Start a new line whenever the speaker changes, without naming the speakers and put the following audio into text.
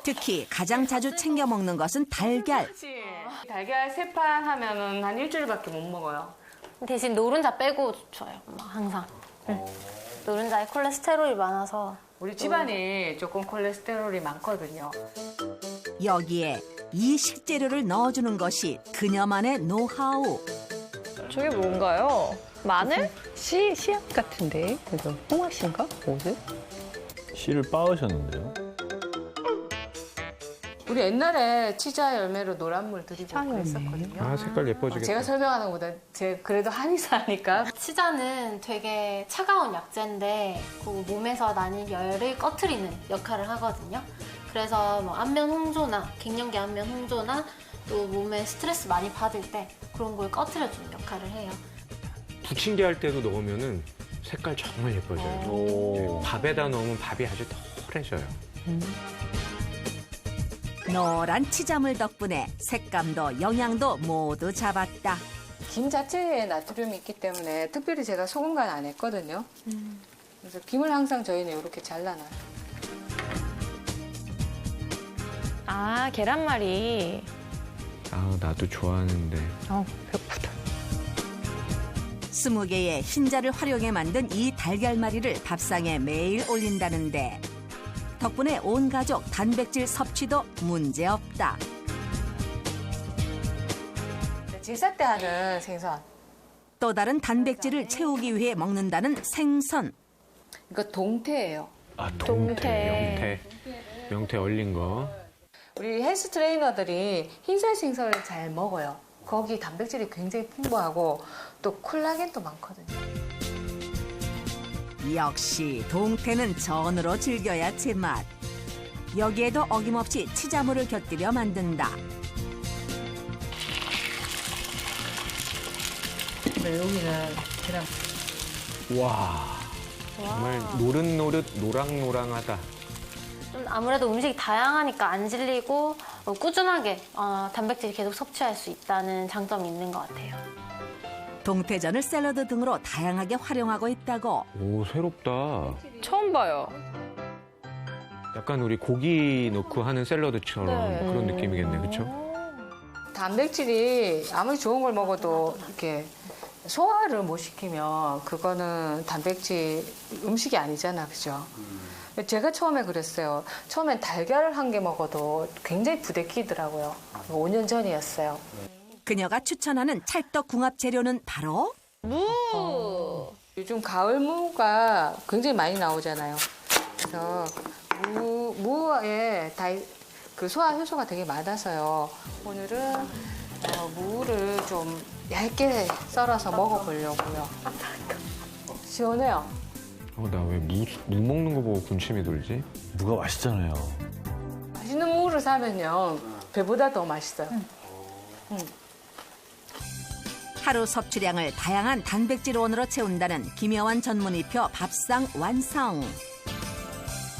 특히 가장 자주 챙겨 먹는 것은 달걀.
달걀 3판 하면은 한 일주일밖에 못 먹어요.
대신 노른자 빼고 줘요, 엄마, 항상. 노른자에 콜레스테롤이 많아서.
우리 집안이 조금 콜레스테롤이 많거든요.
여기에 이 식재료를 넣어주는 것이 그녀만의 노하우.
저게 뭔가요? 마늘? 씨앗 같은데? 이거 홍화씨인가? 뭐지?
씨를 빻으셨는데요?
우리 옛날에 치자 열매로 노란물 드리고 그랬었거든요.
아, 색깔 예뻐지겠다.
제가 설명하는 것보다 제가 그래도 한의사니까.
치자는 되게 차가운 약재인데 그 몸에서 나는 열을 꺼트리는 역할을 하거든요. 그래서 뭐 안면 홍조나 갱년기 안면 홍조나 또 몸에 스트레스 많이 받을 때 그런 걸 꺼트려주는 역할을 해요.
부침개 할 때도 넣으면은 색깔 정말 예뻐져요. 네, 밥에다 넣으면 밥이 아주 덜해져요.
노란 치자물 덕분에 색감도 영양도 모두 잡았다.
김 자체에 나트륨이 있기 때문에 특별히 제가 소금 간 안 했거든요. 그래서 김을 항상 저희는 이렇게 잘라놔요.
아, 계란말이.
아, 나도 좋아하는데.
배고프다.
20개의 흰자를 활용해 만든 이 달걀말이를 밥상에 매일 올린다는데 덕분에 온 가족 단백질 섭취도 문제없다.
제사 때 하는 생선.
또 다른 단백질을 채우기 위해 먹는다는 생선.
이거 동태예요.
아,
동태.
명태 얼린 거.
우리 헬스 트레이너들이 흰살 생선을 잘 먹어요. 거기 단백질이 굉장히 풍부하고 또 콜라겐도 많거든요.
역시 동태는 전으로 즐겨야 제맛. 여기에도 어김없이 치자물을 곁들여 만든다.
네, 여기는 계란.
와, 정말 노릇노릇 노랑노랑하다.
좀 아무래도 음식이 다양하니까 안 질리고 꾸준하게 단백질을 계속 섭취할 수 있다는 장점이 있는 것 같아요.
동태전을 샐러드 등으로 다양하게 활용하고 있다고.
오, 새롭다.
처음 봐요.
약간 우리 고기 넣고 하는 샐러드처럼 그런 느낌이겠네, 그렇죠?
단백질이 아무리 좋은 걸 먹어도 이렇게 소화를 못 시키면 그거는 단백질 음식이 아니잖아, 그죠? 제가 처음에 그랬어요. 처음엔 달걀을 한 개 먹어도 굉장히 부대끼더라고요. 5년 전이었어요.
그녀가 추천하는 찰떡 궁합 재료는 바로
무!
요즘 가을 무가 굉장히 많이 나오잖아요. 그래서 무에 그 소화 효소가 되게 많아서요. 오늘은 무를 좀 얇게 썰어서 먹어보려고요. 시원해요.
나 왜 무 먹는 거 보고 군침이 돌지?
무가 맛있잖아요.
맛있는 무를 사면요. 배보다 더 맛있어요.
하루 섭취량을 다양한 단백질원으로 채운다는 김여환 전문의표 밥상 완성.